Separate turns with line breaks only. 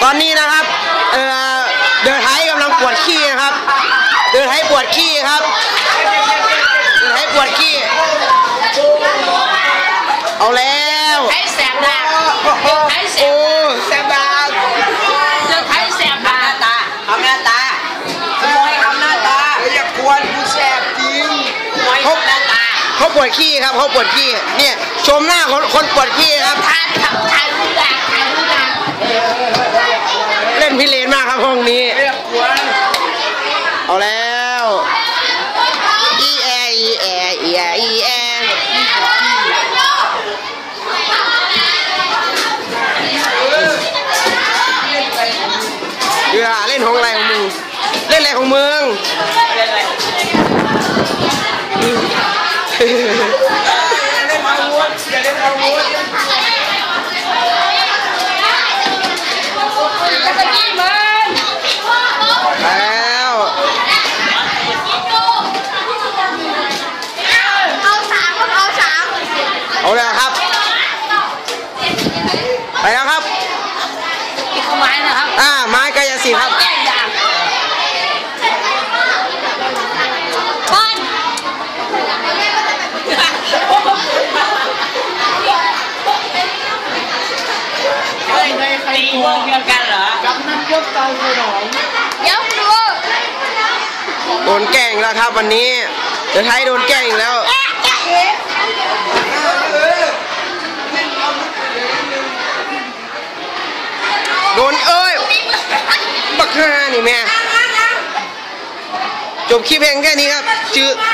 ตอนนี้นะครับเดินไทยกำลังปวดขี้นะครับเดินไทยปวดขี้ครับเดินไทยปวดขี้เอาแล้ว
ไทยแสบดาไทยแสบดาเรื่องไทยแสบดาตาทำหน้าตาให้ทำหน้าตาอย่ากวนกูแสบจริง
เขาปวดขี้ครับเขาปวดขี้เนี่ยชมหน้าคนปวดขี้ครับ
ถ่ายรูปด่าง
เล่นพิเรนมากครับห้องนี้เอาแล้วอีแอเล่นของอะไรของมึงเล่นอะไรของมึงเอาแล้วครับไปแล้วครับ
นี่คือไม้นะครับ
ไม้กายสิทธิ์ครับ
ตีวงเดียวกันเหรอกับน้ำยกเตาขนมยกดู
โดนแกล้งแล้วครับวันนี้เดี๋ยวไทยโดนแกล้งอีกแล้วโดนบักฮ่านี่แม่จบคลิปเพลงแค่นี้ครับชื่อ